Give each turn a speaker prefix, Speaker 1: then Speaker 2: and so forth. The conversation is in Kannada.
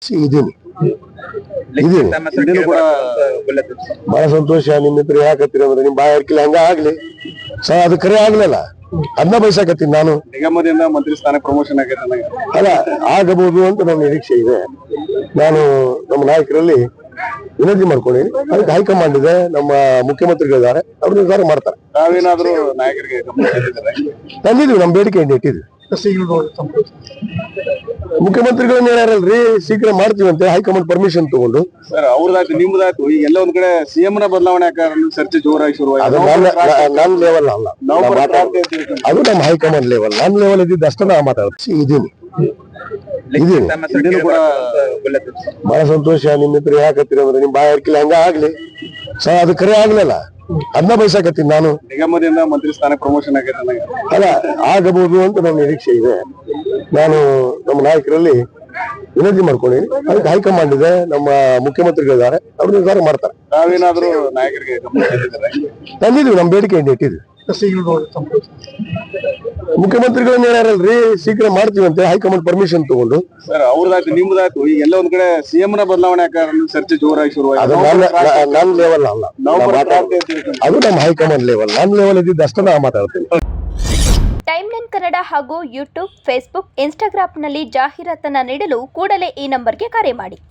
Speaker 1: ಇದೀನಿ ಇದೀನಿ ಕೂಡ ಬಹಳ ಸಂತೋಷ. ನಿಮ್ಮ ಹತ್ರ ಯಾಕತ್ತೀರಿ ಅಂದ್ರೆ ನಿಮ್ ಬಾಯ ಹರ್ಕಿಲ್ಲ ಹಂಗ ಆಗ್ಲಿ ಅದು ಕರೆ ಆಗ್ಲಿಲ್ಲ, ಅದನ್ನ ಬಯಸಾಕತ್ತೀನಿ ನಾನು.
Speaker 2: ನಿಗಮದಿಂದ ಮಂತ್ರಿ ಸ್ಥಾನ ಪ್ರಮೋಷನ್
Speaker 1: ಅಲ್ಲ ಆಗಬಹುದು ಅಂತ ನನ್ನ ನಿರೀಕ್ಷೆ ಇದೆ. ನಾನು ನಮ್ಮ ನಾಯಕರಲ್ಲಿ ವಿನಂತಿ ಮಾಡ್ಕೊಂಡಿದ್ದೀನಿ. ಅದಕ್ಕೆ ಹೈಕಮಾಂಡ್ ಇದೆ, ನಮ್ಮ ಮುಖ್ಯಮಂತ್ರಿಗಳಿದ್ದಾರೆ, ಅವ್ರು ನಿರ್ಧಾರ ಮಾಡ್ತಾರೆ.
Speaker 2: ತಾವೇನಾದ್ರೂ ನಾಯಕರಿಗೆ
Speaker 1: ತಂದಿದ್ವಿ, ನಮ್ಮ ಬೇಡಿಕೆ ಇಟ್ಟಿದ್ವಿ. ಮುಖ್ಯಮಂತ್ರಿಗಳನ್ನ ಹೇಳ್ಯಾರಲ್ರಿ ಶೀಘ್ರ ಮಾಡ್ತೀವಿ ಅಂತ ಹೈಕಮಾಂಡ್ ಪರ್ಮಿಷನ್ ತಗೊಂಡು.
Speaker 2: ಸರ್ ಅವ್ರದಾಯ್ತು ನಿಮ್ದಾಯ್ತು, ಈಗ ಎಲ್ಲ ಒಂದ್ ಕಡೆ ಸಿಎಂ ನ ಬದಲಾವಣೆ ಚರ್ಚೆ ಜೋರಾಗಿ
Speaker 1: ಅದು ನನ್ನ ಲೆವೆಲ್ ಅಲ್ಲ, ಅದು ನಮ್ಮ ಹೈಕಮಾಂಡ್ ಲೆವೆಲ್. ನನ್ನ ಲೆವೆಲ್ ಇದ್ದಿದ್ದು ಅಷ್ಟೇ ನಾ ಮಾತಾಡ್ತೀನಿ. ಇದೀನಿ
Speaker 2: ಕೂಡ
Speaker 1: ಬಹಳ ಸಂತೋಷ. ನಿಮ್ಮ ಹತ್ರ ಯಾಕತ್ತೀರಿ ಅಂದ್ರೆ ನಿಮ್ ಬಾಯ ಹರ್ಕಿಲ್ಲ ಹಂಗ ಆಗ್ಲಿ ಅದು ಕರೆ ಆಗ್ಲಿಲ್ಲ, ಅದನ್ನ ಬಯಸಾಕತ್ತೀನಿ ನಾನು.
Speaker 2: ನಿಗಮದಿಂದ ಮಂತ್ರಿ ಸ್ಥಾನ ಪ್ರಮೋಷನ್
Speaker 1: ಅಲ್ಲ ಆಗಬಹುದು ಅಂತ ನನ್ನ ನಿರೀಕ್ಷೆ ಇದೆ. ನಾನು ನಮ್ಮ ನಾಯಕರಲ್ಲಿ ವಿನಂತಿ ಮಾಡ್ಕೊಂಡಿದ್ದೀನಿ. ಅದಕ್ಕೆ ಹೈಕಮಾಂಡ್ ಇದೆ, ನಮ್ಮ ಮುಖ್ಯಮಂತ್ರಿಗಳಿದ್ದಾರೆ, ಅವ್ರು ನಿರ್ಧಾರ ಮಾಡ್ತಾರೆ.
Speaker 2: ತಾವೇನಾದ್ರೂ ನಾಯಕರಿಗೆ
Speaker 1: ತಂದಿದ್ವಿ, ನಮ್ಮ ಬೇಡಿಕೆ ಇಟ್ಟಿದ್ವಿ. ಮುಖ್ಯಮಂತ್ರಿಗಳನ್ನ ಹೇಳ್ಯಾರಲ್ರಿ ಶೀಘ್ರ ಮಾಡ್ತೀವಿ ಅಂತ ಹೈಕಮಾಂಡ್ ಪರ್ಮಿಷನ್ ತಗೊಂಡು.
Speaker 2: ಸರ್ ಅವ್ರದಾಯ್ತು ನಿಮ್ದಾಯ್ತು, ಈಗ ಎಲ್ಲ ಒಂದ್ ಕಡೆ ಸಿಎಂ ನ ಬದಲಾವಣೆ ಚರ್ಚೆ ಜೋರಾಗಿ
Speaker 1: ಅದು ನನ್ನ ಲೆವೆಲ್ ಅಲ್ಲ, ಅದು ನಮ್ಮ ಹೈಕಮಾಂಡ್ ಲೆವೆಲ್. ನನ್ನ ಲೆವೆಲ್ ಇದ್ದಿದ್ದು ಅಷ್ಟೇ ನಾ ಮಾತಾಡ್ತೀನಿ.
Speaker 3: ಟೈಮ್9 ಕನ್ನಡ ಹಾಗೂ ಯೂಟ್ಯೂಬ್, ಫೇಸ್ಬುಕ್, ಇನ್ಸ್ಟಾಗ್ರಾಂನಲ್ಲಿ ಜಾಹೀರಾತನ್ನ ನೀಡಲು ಕೂಡಲೇ ಈ ನಂಬರ್ಗೆ ಕರೆ ಮಾಡಿ.